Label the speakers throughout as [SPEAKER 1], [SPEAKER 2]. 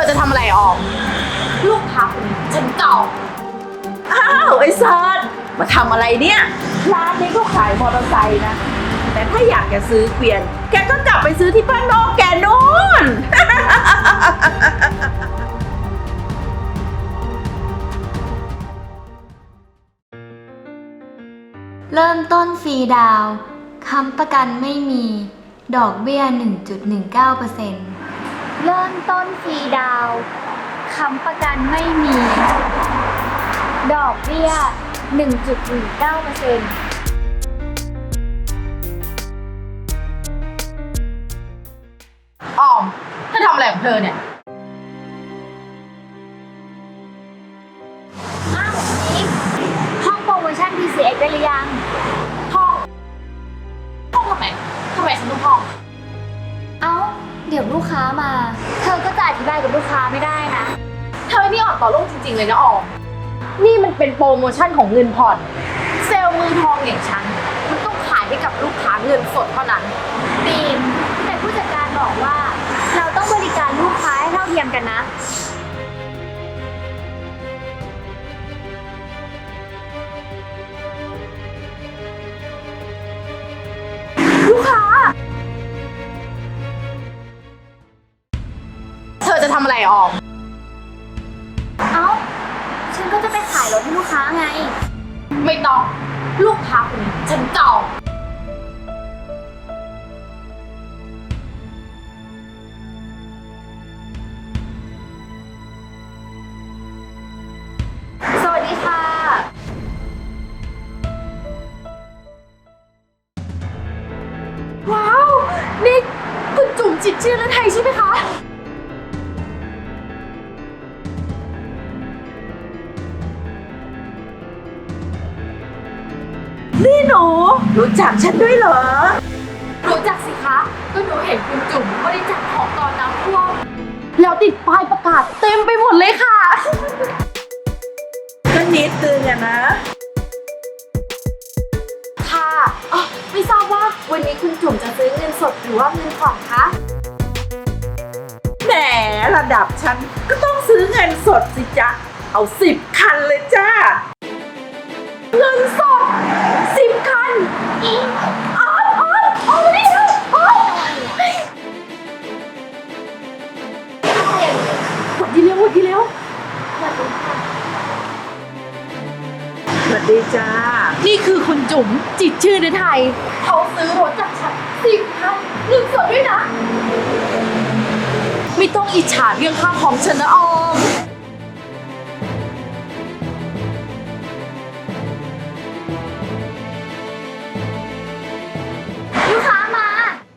[SPEAKER 1] จะทำอะไรออมลูกค้าคนนี้ฉันจอง
[SPEAKER 2] อ้าวไอ้เซิร์ชมาทำอะไรเนี่ยร้านนี้ก็ขายมอเตอร์ไซค์นะแต่ถ้าอยากจะซื้อเกวียนแกก็กลับไปซื้อที่บ้านนอกแกนู่น
[SPEAKER 3] เริ่มต้นฟรีดาวน์ค้ำประกันไม่มีดอกเบี้ย 1.19% เริ่มต้นฟรีดาวน์ค้ำประกันไม่มีดอกเบี้ย 1.19%
[SPEAKER 1] ออมเธอทำอะไรของเธอเนี่ย
[SPEAKER 3] อ้าวนิกห้องโปรโมชั่น PCX ได้หรือยัง
[SPEAKER 1] ห้องทำไมฉันต้องห้อง
[SPEAKER 3] เอ้า เดี๋ยวลูกค้ามา เธอก็จะอธิบายกับลูกค้าไม่ได้นะ
[SPEAKER 1] เธอนี่อ่อนต่อโลกจริงๆเลยนะออมนี่มันเป็นโปรโมชั่นของเงินผ่อนเซลล์มือทองอย่างฉันมันต้องขายให้กับลูกค้าเงินสดเท่านั้น
[SPEAKER 3] บีมแต่ผู้จัดการบอกว่าเราต้องบริการลูกค้าให้เท่าเทียมกันนะ
[SPEAKER 1] ลูกค้าเธอจะทำอะไรออม
[SPEAKER 3] เอ้าฉันก็จะไปขายรถให้ลูกค้าไง
[SPEAKER 1] ไม่ต้องลูกค้าคนนี้ฉันจอง
[SPEAKER 3] สวัสดีค่ะ
[SPEAKER 1] ว้าวนี่คุณจุ๋มจิตรชื่อฤทัยใช่ไหมคะ
[SPEAKER 2] นี่หนูรู้จักฉันด้วยเหรอ
[SPEAKER 1] รู้จักสิคะก็หนูเห็นคุณจุ๋มบริจาคของตอนน้ำท่วมแล้วติดป้ายประกาศเต็มไปหมดเลยค่ะ
[SPEAKER 2] ก็นิดนึงอะนะ
[SPEAKER 1] ค่ะอ๋อไม่ทราบว่าวันนี้คุณจุ๋มจะซื้อเงินสดหรือว่าเงินผ่อนคะ
[SPEAKER 2] แหมระดับฉันก็ต้องซื้อเงินสดสิจ๊ะ เอา10 คันเลยจ้า
[SPEAKER 1] เงินสด10 คันอ๋อนี่อ๋อหวัดดีเร็ว
[SPEAKER 2] สวัสดีจ้า
[SPEAKER 1] นี่คือคุณจุ๋มจิตรชื่อฤทัยเขาซื้อรถจากฉัน10 คันเงินสดด้วยนะ ไม่ต้องอิจฉาเรื่องค่าของฉันนะออม
[SPEAKER 3] ลูกค้ามา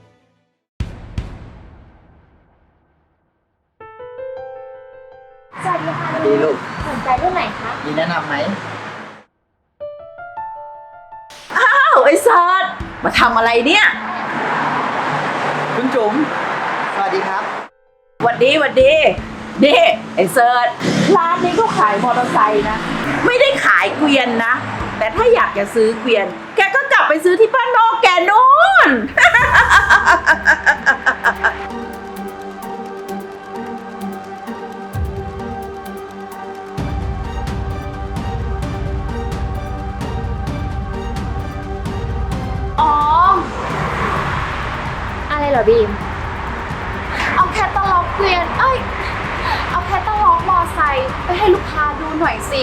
[SPEAKER 3] สวัสดีค่ะ
[SPEAKER 4] ดีลูก
[SPEAKER 3] สนใจรุ่นไหนคะ
[SPEAKER 4] มีแนะนำไหม
[SPEAKER 2] อ้าวไอ้เซิร์ชมาทำอะไรเนี่ย
[SPEAKER 4] คุณจุ๋ม สวัสดีครับ
[SPEAKER 2] หวัดดีนี่ไอ้เซิร์ชร้านนี้ก็ขายมอเตอร์ไซค์นะ ไม่ได้ขายเกวียนนะ แต่ถ้าอยากจะซื้อเกวียน แกก็กลับไปซื้อที่บ้านนอกแกนู่น
[SPEAKER 1] ออม
[SPEAKER 3] อะไรเหรอบีม
[SPEAKER 1] เอาแคตตาล็อกเกวียนเอาแคตตาล็อกมอไซค์ไปให้ลูกค้าดูหน่อยสิ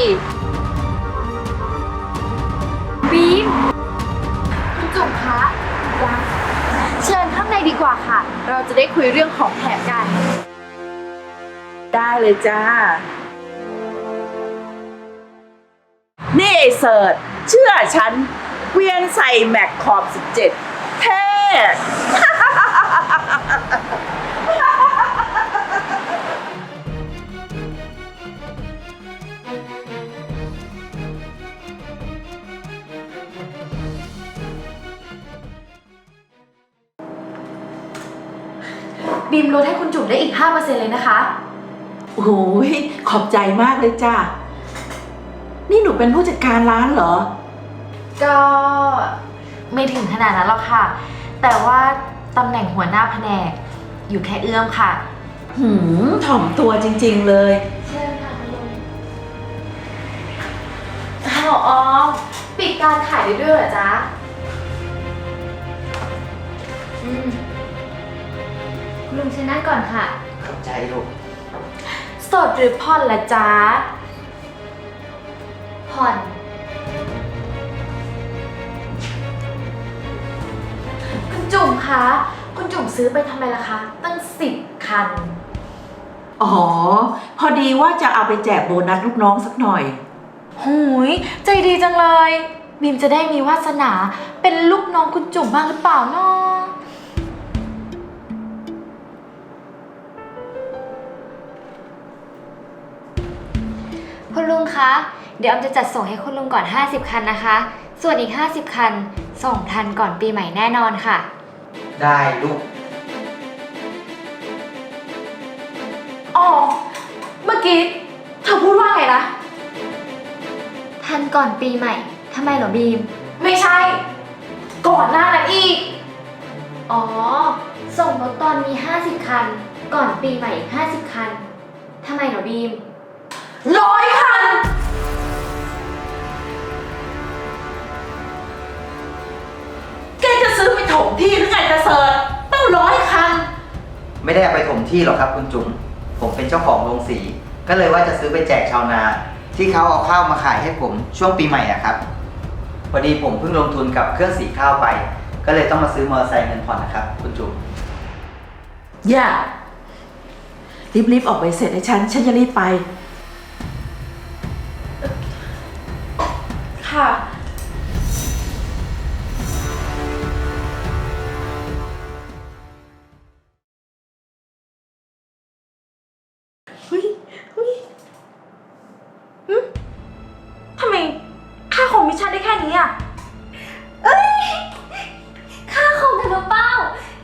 [SPEAKER 1] บีมคุณจุ๋มคะยังเชิญข้างในดีกว่าค่ะ เราจะได้คุยเรื่องของแถมกัน
[SPEAKER 2] ได้เลยจ้า นี่ไอ้เสิร์ชเชื่อฉันเกวียนใส่แม็กขอบ17เท่
[SPEAKER 1] บีมลดให้คุณจุ๋มได้อีก 5% เลยนะคะ
[SPEAKER 2] โอ้ยขอบใจมากเลยจ้า นี่หนูเป็นผู้จัดการร้านเหรอ
[SPEAKER 1] ก็ไม่ถึงขนาดนั้นหรอกค่ะ แต่ว่าตำแหน่งหัวหน้าแผนกอยู่แค่เอื้อมค่ะ
[SPEAKER 2] ถ่อมตัวจริงๆเลย
[SPEAKER 3] เชิญค่ะคุณลุง
[SPEAKER 1] อ้าวออมปิดการขายได้ด้วยเหรอจ๊ะ
[SPEAKER 3] คุณลุงเชิญนั่งก่อนค่ะ
[SPEAKER 4] ขอบใจลูก
[SPEAKER 1] สดหรือผ่อนละจ๊ะ
[SPEAKER 3] ผ่อน
[SPEAKER 1] คุณจุ๋มคะ คุณจุ๋มซื้อไปทำไมล่ะคะ ตั้ง10 คัน
[SPEAKER 2] อ๋อ พอดีว่าจะเอาไปแจกโบนัสลูกน้องสักหน่อย
[SPEAKER 1] หูยใจดีจังเลยบีมจะได้มีวาสนาเป็นลูกน้องคุณจุ๋มบ้างหรือเปล่าเนาะ
[SPEAKER 3] คุณลุงคะ เดี๋ยวออมจะจัดส่งให้คุณลุงก่อน 50 คันนะคะ ส่วนอีก 50 คัน ส่งทันก่อนปีใหม่แน่นอนค่ะ
[SPEAKER 4] ได้ลูก
[SPEAKER 1] อ๋อ เมื่อกี้เธอพูดว่าไงนะ
[SPEAKER 3] ทันก่อนปีใหม่ ทำไมเหรอบีม
[SPEAKER 1] ไม่ใช่ ก่อนหน้านั้นอีก
[SPEAKER 3] อ๋อ ส่งรถตอนมี 50 คัน ก่อนปีใหม่อีก 50 คัน ทำไมเหรอบีม
[SPEAKER 1] 100 คัน
[SPEAKER 2] แกจะซื้อไปถมที่หรือไงจะเสิร์ชตั้ง100 คัน
[SPEAKER 4] ไม่ได้เอาไปถมที่หรอกครับคุณจุ๋ม ผมเป็นเจ้าของโรงสี ก็เลยว่าจะซื้อไปแจกชาวนา ที่เขาเอาข้าวมาขายให้ผมช่วงปีใหม่อะครับ พอดีผมเพิ่งลงทุนกับเครื่องสีข้าวไป ก็เลยต้องมาซื้อมอเตอร์ไซค์เงินผ่อนนะครับ คุณจุ๋ม
[SPEAKER 2] อย่า รีบๆออกไปเสร็จให้ฉันจะรีบไป
[SPEAKER 1] ค่ะ ทำไมค่าคอมมิชชั่นได้แค่นี้อ่ะ
[SPEAKER 3] ค่าคอมทะลุเป้า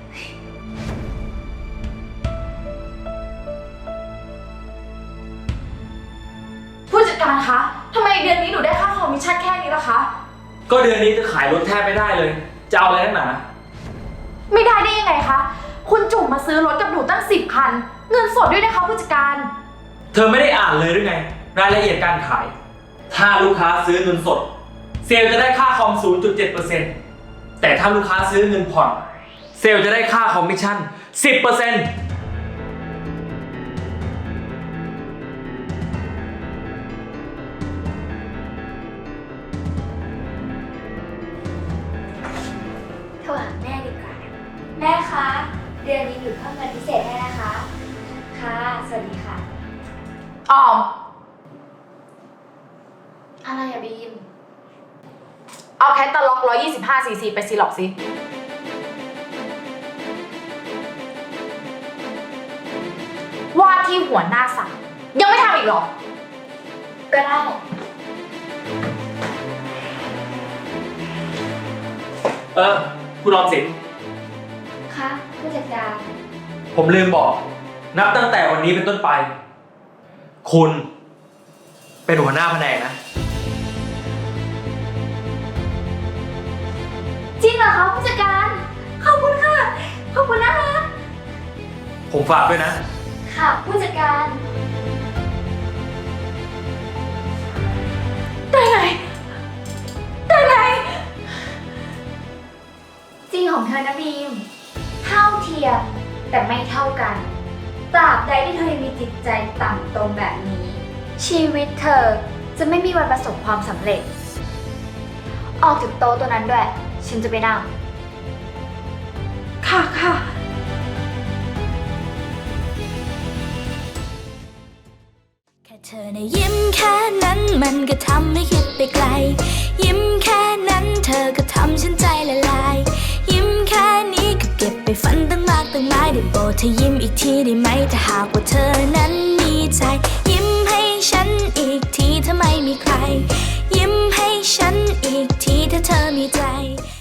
[SPEAKER 1] ผู้จัดการคะ ทำไมเดือนนี้หนูได้ค่าคอมมิชชั่นแค่นี้ล่ะคะ
[SPEAKER 5] ก็เดือนนี้จะขายรถแทบไม่ได้เลย จะเอาอะไรนักหนา
[SPEAKER 1] ไม่ได้ได้ยังไงคะ คุณจุ๋มมาซื้อรถกับหนูตั้ง10 คัน เงินสดด้วยนะคะผู้จัดการ
[SPEAKER 5] เธอไม่ได้อ่านเลยหรือไง รายละเอียดการขาย ถ้าลูกค้าซื้อเงินสด เซลล์จะได้ค่าคอม 0.7% แต่ถ้าลูกค้าซื้อเงินผ่อน เซลล์จะได้ค่าคอมมิชชั่น 10%
[SPEAKER 3] โทรหาแม่ดีกว่า แม่คะ เดือนนี้หนูเพิ่มเงินพิเศษให้นะคะ ค่ะ สวัสดีค่ะ
[SPEAKER 1] ออม
[SPEAKER 3] อะไรอะบีม
[SPEAKER 1] เอาแคตตาล็อก125 cc ไปซีล็อกสิ ว่าที่หัวหน้าสั่งยังไม่ทำอีกเหรอ
[SPEAKER 3] ก็ได้
[SPEAKER 5] คุณออมสิน
[SPEAKER 3] ค่ะ ผู้จัดการ
[SPEAKER 5] ผมลืมบอก นับตั้งแต่วันนี้เป็นต้นไป คุณ เป็นหัวหน้าแผนกนะ
[SPEAKER 3] จริงเหรอคะผู้จัดการ ขอบคุณค่ะ ขอบคุณนะคะ
[SPEAKER 5] ผมฝากด้วยนะ
[SPEAKER 3] ค่ะผู้จัดการ
[SPEAKER 1] ได้ไง ได้ไง
[SPEAKER 3] จริงของเธอนะบีม เท่าเทียมแต่ไม่เท่ากัน ตราบใดที่เธอยังมีจิตใจต่ำตรงแบบนี้ ชีวิตเธอจะไม่มีวันประสบความสำเร็จ ออกจากโต๊ะตัวนั้นด้วย ฉันจะไปนั่ง
[SPEAKER 1] ค่ะค่ะ
[SPEAKER 6] แค่เธอในะยิ้มแค่นั้นมันก็ทำให้คิดไปไกล ยิ้มแค่นั้นเธอก็ทำฉันใจละลาย ยิ้มแค่นี้ก็เก็บไปฝันตั้งมากตั้งหลายได้โปรดเธอยิ้มอีกทีได้ไหมถ้าหากว่าเธอนั้นมีใจ ยิ้มให้ฉันอีกทีถ้าไม่มีใคร ยิ้มให้ฉันอีกทีถ้าเธอมีใจ